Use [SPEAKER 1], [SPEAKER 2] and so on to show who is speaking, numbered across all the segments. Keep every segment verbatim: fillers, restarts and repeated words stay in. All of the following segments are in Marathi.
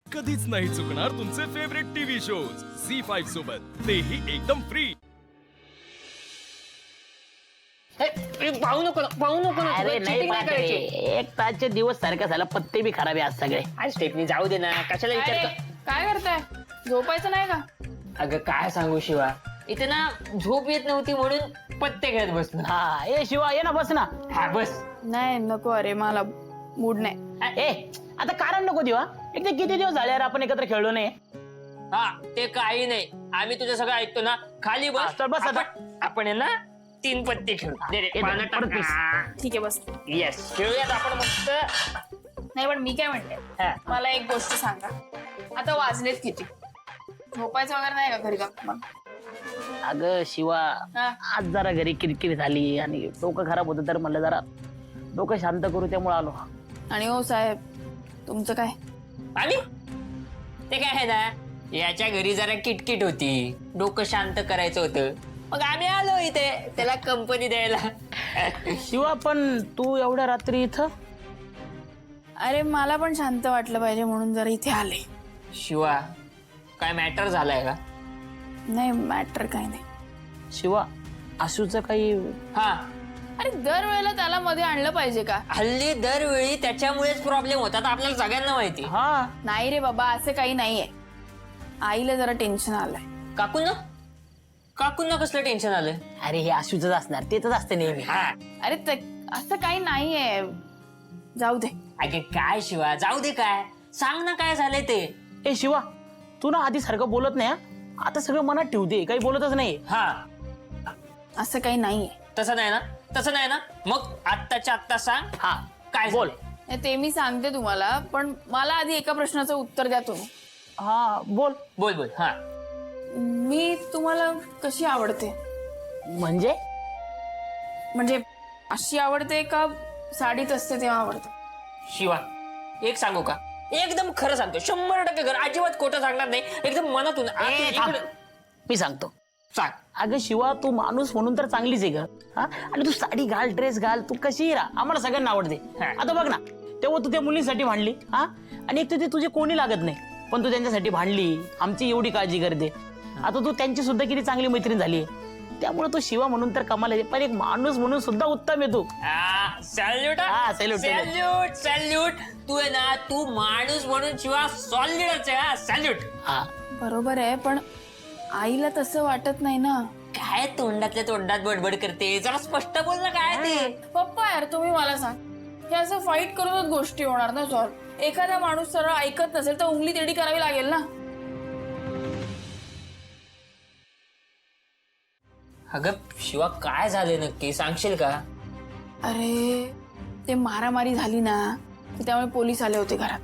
[SPEAKER 1] कधीच नाही चुकणार तुमचे favourite TV shows Zee five सोबत, तेही एकदम फ्री.
[SPEAKER 2] पाहू नको पाहू नको ना,
[SPEAKER 3] अरे
[SPEAKER 2] तुला
[SPEAKER 3] नाही
[SPEAKER 2] cheating नाही
[SPEAKER 3] पाहते.
[SPEAKER 2] करायची.
[SPEAKER 3] एक तासचे दिवस सारखा झाला, पत्ते बी खराब आहे आज सगळे.
[SPEAKER 2] आज स्टेपनी जाऊ दे ना, कशाला
[SPEAKER 4] अरे
[SPEAKER 2] विचारतो.
[SPEAKER 4] काय करताय? झोपायचं नाही का?
[SPEAKER 2] अगं काय सांगू शिवा, इथे ना झोप येत नव्हती म्हणून पत्ते खेळत बसलो.
[SPEAKER 3] हा ए शिवा ये ना, बस ना.
[SPEAKER 2] हा बस.
[SPEAKER 4] नाही नको, अरे मला मूड नाही.
[SPEAKER 3] ए आता कारण नको देऊ. हा एक तर किती दिवस झाले यार आपण एकत्र खेळलो नाही.
[SPEAKER 2] हा ते काही नाही, आम्ही तुझं सगळं ऐकतो ना. खाली
[SPEAKER 3] हा,
[SPEAKER 2] बस.
[SPEAKER 3] चल बस आता.
[SPEAKER 2] आपण- आपण आहे ना तीन पत्ते खेळू. दे रे,
[SPEAKER 3] ए,
[SPEAKER 2] पानं
[SPEAKER 3] परत
[SPEAKER 2] टाक.
[SPEAKER 3] बस.
[SPEAKER 2] हा.
[SPEAKER 4] ठीक आहे बस.
[SPEAKER 2] येस खेळूयात आपण मस्त.
[SPEAKER 4] नाही पण मी काय म्हणते,
[SPEAKER 2] हा.
[SPEAKER 4] मला एक गोष्ट सांगा. आता वाजलेत किती? झोपायचं वगैरे नाही का घरी का मग?
[SPEAKER 3] अगं शिवा,
[SPEAKER 4] हा.
[SPEAKER 3] आज जरा घरी किरकिर झाली आणि डोकं खराब होतं, तर म्हणलं जरा डोकं शांत करू, त्यामुळे आलो.
[SPEAKER 4] आणि हो साहेब, तुमचं काय?
[SPEAKER 2] आणि ते काय आहे ना, याच्या घरी जरा किटकिट होती, डोकं शांत करायचं होतं, मग आम्ही आलो इथे त्याला कंपनी द्यायला.
[SPEAKER 3] शिवा पण तू एवढ्या रात्री इथं?
[SPEAKER 4] अरे मला पण शांत वाटलं पाहिजे म्हणून जरा इथे आले.
[SPEAKER 2] शिवा काय मॅटर झालाय का?
[SPEAKER 4] नाही मॅटर काय नाही.
[SPEAKER 3] शिवा आशूचं काही?
[SPEAKER 2] हा,
[SPEAKER 4] अरे दरवेळेला त्याला मध्ये आणलं पाहिजे का?
[SPEAKER 2] हल्ली दरवेळी त्याच्यामुळेच प्रॉब्लेम होतात, आपल्याला सगळ्यांना माहिती.
[SPEAKER 3] हा
[SPEAKER 4] नाही रे बाबा, असं काही नाहीये. आईला जरा टेन्शन आलंय.
[SPEAKER 2] काकूंना काकूंना कसलं टेन्शन आलं?
[SPEAKER 3] अरे हे आशूच असणार, तेच असते नेहमी.
[SPEAKER 2] हा
[SPEAKER 4] अरे ते असं काही नाहीये, जाऊ दे.
[SPEAKER 2] अगे काय शिवा, जाऊ दे, काय सांग ना काय झालंय ते.
[SPEAKER 3] ए शिवा, तू ना आधी सारखं बोलत नाही. हा? आता सगळं मनात ठेवते, काही बोलतच नाही.
[SPEAKER 2] हा
[SPEAKER 4] असं काही नाहीये.
[SPEAKER 2] तसं नाही ना, तसं नाही ना, मग आत्ताच्या आत्ता सांग.
[SPEAKER 3] हा
[SPEAKER 2] काय
[SPEAKER 3] बोल.
[SPEAKER 2] झालंय?
[SPEAKER 4] नाही, ते मी सांगते तुम्हाला, पण मला आधी एका प्रश्नाचं उत्तर द्या तुम्ही.
[SPEAKER 3] हा बोल.
[SPEAKER 2] बोल बोल. हा
[SPEAKER 4] मी तुम्हाला कशी आवडते?
[SPEAKER 3] म्हणजे
[SPEAKER 4] म्हणजे अशी आवडते का साडीत असते तेव्हा आवडते?
[SPEAKER 2] शिवा एक सांगू का, एकदम खरं सांगतो, शंभर टक्के खरं, अजिबात खोटं सांगणार नाही, एकदम मनातून आतून
[SPEAKER 3] ए, थांब.
[SPEAKER 2] इकडं-
[SPEAKER 3] मी सांगतो.
[SPEAKER 2] सांग.
[SPEAKER 3] अगं शिवा, तू माणूस म्हणून तर चांगलीच आहे ग. हा आणि तू साडी घाल, ड्रेस घाल, तू कशीही राहा, आम्हाला सगळ्यांना आवडते.
[SPEAKER 2] हा.
[SPEAKER 3] आता बघ ना, तेव्हा तू त्या मुलींसाठी भांडली. हा आणि एक तर ते तुझे कोणी लागत नाही, पण तू त्यांच्यासाठी भांडली, आमची एवढी काळजी करते. आता तू त्यांची सुद्धा किती चांगली मैत्रीण झाली. त्यामुळे तो शिवा म्हणून तर कमाल आहे, पण एक माणूस म्हणून सुद्धा उत्तम आहे तू.
[SPEAKER 2] सॅल्यूट
[SPEAKER 3] हा, salute, salute.
[SPEAKER 2] Salute salute. तू आहे ना, तू माणूस म्हणून शिवा सॉलिडच आहे. सॅल्यूट.
[SPEAKER 3] हा
[SPEAKER 4] बरोबर आहे, पण आईला तसं वाटत नाही ना.
[SPEAKER 2] काय तोंडातल्या तोंडात बडबड करते, जरा स्पष्ट बोल ना काय ते.
[SPEAKER 4] पप्पा यार तुम्ही मला सांग, हे असं फाईट करूनच गोष्टी होणार ना सॉल्व? एखादा माणूस सरळ ऐकत नसेल तर उंगली तेडी करावी लागेल ना.
[SPEAKER 2] अगं शिवा, काय झाले नक्की सांगशील का?
[SPEAKER 4] अरे ते मारामारी झाली ना, तर त्यामुळे पोलीस आले होते घरात.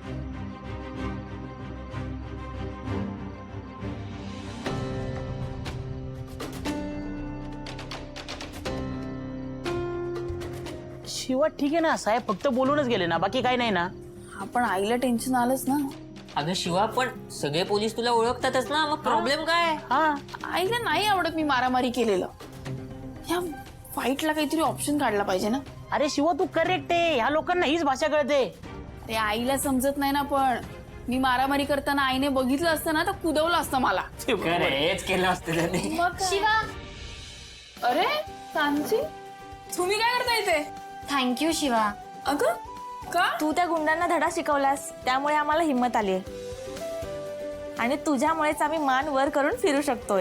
[SPEAKER 3] शिवा ठीक आहे ना, साहेब फक्त बोलूनच गेले ना, बाकी काही नाही ना.
[SPEAKER 4] हा पण आईला टेन्शन आलंच ना.
[SPEAKER 2] अगं शिवा, पण सगळे पोलीस तुला ओळखतातच ना, मग प्रॉब्लेम काय?
[SPEAKER 3] हा
[SPEAKER 4] आईला नाही आवडत मी मारामारी केलेलं. या फाईटला काहीतरी ऑप्शन काढला पाहिजे ना.
[SPEAKER 3] अरे शिवा, तू करेक्ट आहे, ह्या लोकांना हीच भाषा कळते.
[SPEAKER 4] अरे आईला समजत नाही ना, पण मी मारामारी करताना आईने बघितलं असतं ना तर कुदवलं असतं मला.
[SPEAKER 2] हेच केलं असतं त्यांनी.
[SPEAKER 4] मग शिवा. अरे सांची, तुम्ही काय करता इथे?
[SPEAKER 5] थँक्यू शिवा.
[SPEAKER 4] अगं का?
[SPEAKER 5] तू त्या गुंडांना धडा शिकवलास, त्यामुळे आम्हाला हिंमत आली आणि तुझ्यामुळेच आम्ही मान वर करून फिरू शकतोय.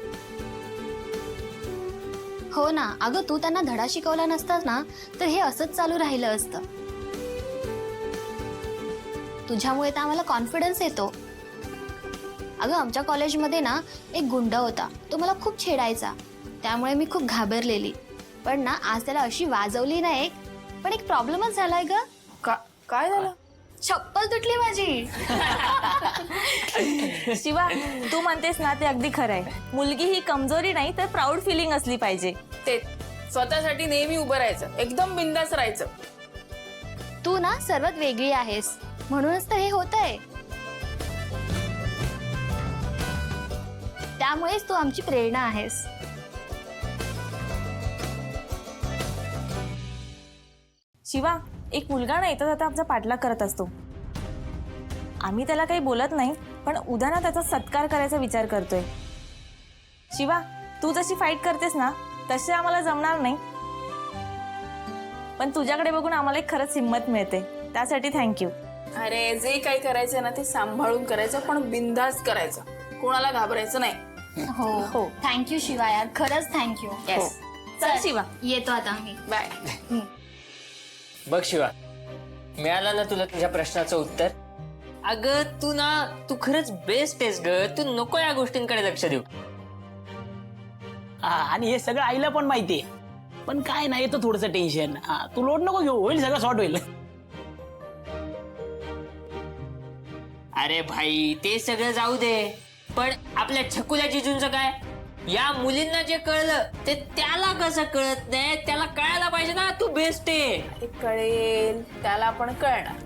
[SPEAKER 6] हो ना, अगं तू त्यांना धडा शिकवला नसतास ना तर हे असंच चालू राहिलं असतं. तुझ्यामुळे तर आम्हाला कॉन्फिडन्स येतो. अगं आमच्या कॉलेजमध्ये ना एक गुंड होता, तो मला खूप छेडायचा, त्यामुळे मी खूप घाबरलेली. पण ना आज त्याला अशी वाजवली ना एक, पण एक प्रॉब्लेमच झालाय ग.
[SPEAKER 4] का काय झालं?
[SPEAKER 6] चप्पल तुटली माझी.
[SPEAKER 5] शिवा, तू म्हणतेस ना ते अगदी खरं आहे. मुलगी ही कमजोरी नाही तर प्राऊड फिलिंग असली पाहिजे.
[SPEAKER 4] ते स्वतःसाठी नेहमी उभं राहायचं, एकदम बिंदास राहायचं.
[SPEAKER 6] तू ना सर्वात वेगळी आहेस, म्हणूनच तर हे होतंय. त्यामुळेच तू आमची प्रेरणा आहेस.
[SPEAKER 5] शिवा, एक मुलगा ना येता जाता आमचा पाठलाग करत असतो. आम्ही त्याला काही बोलत नाही, पण उद्या ना त्याचा सत्कार करायचा विचार करतोय. शिवा, तू जशी फाईट करतेस ना तसे आम्हाला जमणार नाही, पण तुझ्याकडे बघून आम्हाला एक खरंच हिंमत मिळते, त्यासाठी थँक्यू.
[SPEAKER 4] अरे जे काही करायचं ना ते सांभाळून करायचं, पण बिंदास करायचं, कोणाला घाबरायचं नाही.
[SPEAKER 6] हो
[SPEAKER 5] हो.
[SPEAKER 6] थँक्यू शिवा यार, खरंच थँक्यू.
[SPEAKER 5] हो. चल शिवा.
[SPEAKER 6] येतो आता.
[SPEAKER 4] बाय.
[SPEAKER 2] बघ शिवा, मिळालं ना तुला तुझ्या प्रश्नाचं उत्तर. अगं तू ना तू खरंच बेस्ट आहेस ग, तू नको या गोष्टींकडे लक्ष देऊ.
[SPEAKER 3] हा, आणि हे सगळं आईला पण माहितीये, पण काय नाही येतं थोडंसं टेन्शन. हा, तू लोड नको घेऊ, होईल सगळं सॉर्ट होईल.
[SPEAKER 2] अरे भाई ते सगळं जाऊ दे, पण आपल्या छकुल्या जिजूंचं काय? या मुलींना जे कळलं ते त्याला कसं कळत नाही? त्याला कळायला पाहिजे ना तू बेस्ट आहे.
[SPEAKER 4] ते कळेल, त्याला पण कळणार.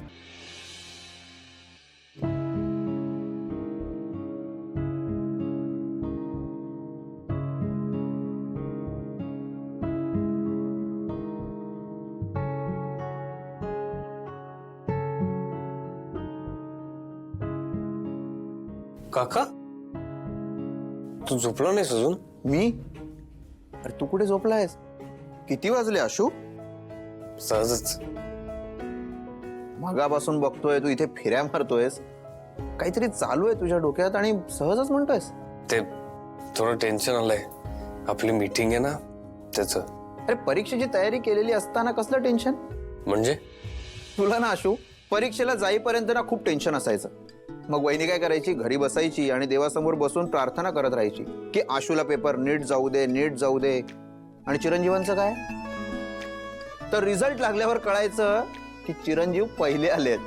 [SPEAKER 7] काका, तू झोपला नाहीस अजून?
[SPEAKER 8] मी? अरे तू कुठे झोपलायस? किती वाजले आशू?
[SPEAKER 7] सहजच.
[SPEAKER 8] मगापासून बघतोय तू इथे फिऱ्या मारतोयस, काहीतरी चालू आहे तुझ्या डोक्यात आणि सहजच म्हणतोयस.
[SPEAKER 7] ते थोडं टेन्शन आलंय, आपली मीटिंग आहे ना त्याचं.
[SPEAKER 8] अरे परीक्षेची तयारी केलेली असताना कसलं टेन्शन?
[SPEAKER 7] म्हणजे
[SPEAKER 8] तुला ना आशू, परीक्षेला जाईपर्यंत ना खूप टेन्शन असायचं. मग वहिनी काय करायची, घरी बसायची आणि देवासमोर बसून प्रार्थना करत राहायची की आशूला पेपर नीट जाऊ दे, नीट जाऊ दे. आणि चिरंजीवांचं काय? तर रिझल्ट लागल्यावर कळायचं की चिरंजीव पहिले आलेत.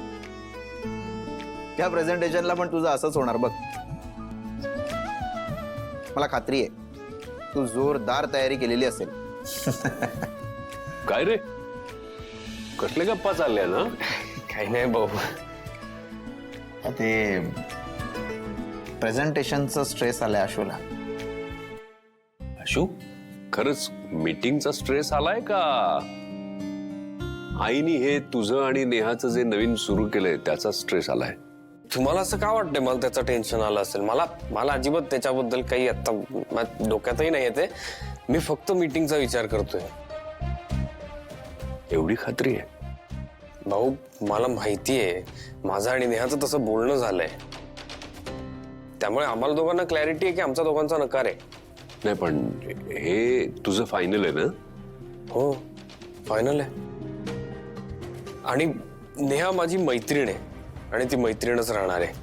[SPEAKER 8] त्या प्रेझेंटेशनला पण तुझं असंच होणार बघ. मला खात्री आहे तू जोरदार तयारी केलेली असेल.
[SPEAKER 9] काय रे, कसले गप्पा चालल्या ना?
[SPEAKER 7] काही नाही भाऊ.
[SPEAKER 8] ते प्रेझेंटेशनचं स्ट्रेस आलाय आशूला.
[SPEAKER 9] आशू, खरंच मीटिंगचा स्ट्रेस आलाय का आईनी हे तुझं आणि नेहाचं जे नवीन सुरू केलंय त्याचा स्ट्रेस आलाय?
[SPEAKER 7] तुम्हाला असं का वाटतंय मला त्याचं टेन्शन आलं असेल? मला मला अजिबात त्याच्याबद्दल काही आता माझ्या डोक्यातही नाही येते. मी फक्त मीटिंगचा विचार करतोय.
[SPEAKER 9] एवढी खात्री आहे?
[SPEAKER 7] भाऊ, मला माहिती आहे माझं आणि नेहाचं तसं बोलणं झालंय, त्यामुळे आम्हाला दोघांना क्लॅरिटी आहे की आमचा दोघांचा नकार आहे.
[SPEAKER 9] नाही पण हे तुझं फायनल आहे ना?
[SPEAKER 7] हो, फायनल आहे. आणि नेहा माझी मैत्रीण आहे आणि ती मैत्रीणच राहणार आहे.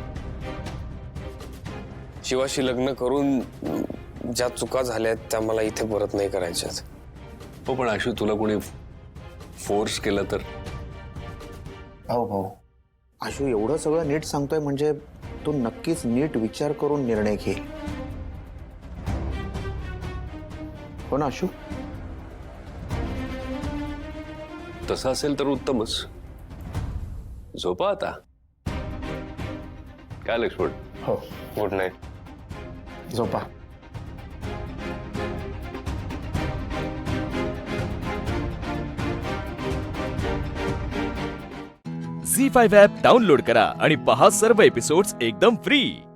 [SPEAKER 7] शिवाशी लग्न करून ज्या चुका झाल्यात त्या मला इथे परत नाही करायच्यात.
[SPEAKER 9] हो, पण आशू तुला कोणी फोर्स केला तर?
[SPEAKER 8] भाऊ भाऊ आशू एवढं सगळं नीट सांगतोय म्हणजे तू नक्कीच नीट विचार करून निर्णय घे. हो ना आशू?
[SPEAKER 9] तसं असेल तर उत्तमच. झोपा आता. काय लक्ष्मण?
[SPEAKER 8] हो,
[SPEAKER 7] गुड नाईट.
[SPEAKER 8] झोपा.
[SPEAKER 1] झी फाईव्ह ॲप डाउनलोड करा आणि पहा सर्व एपिसोड्स एकदम फ्री.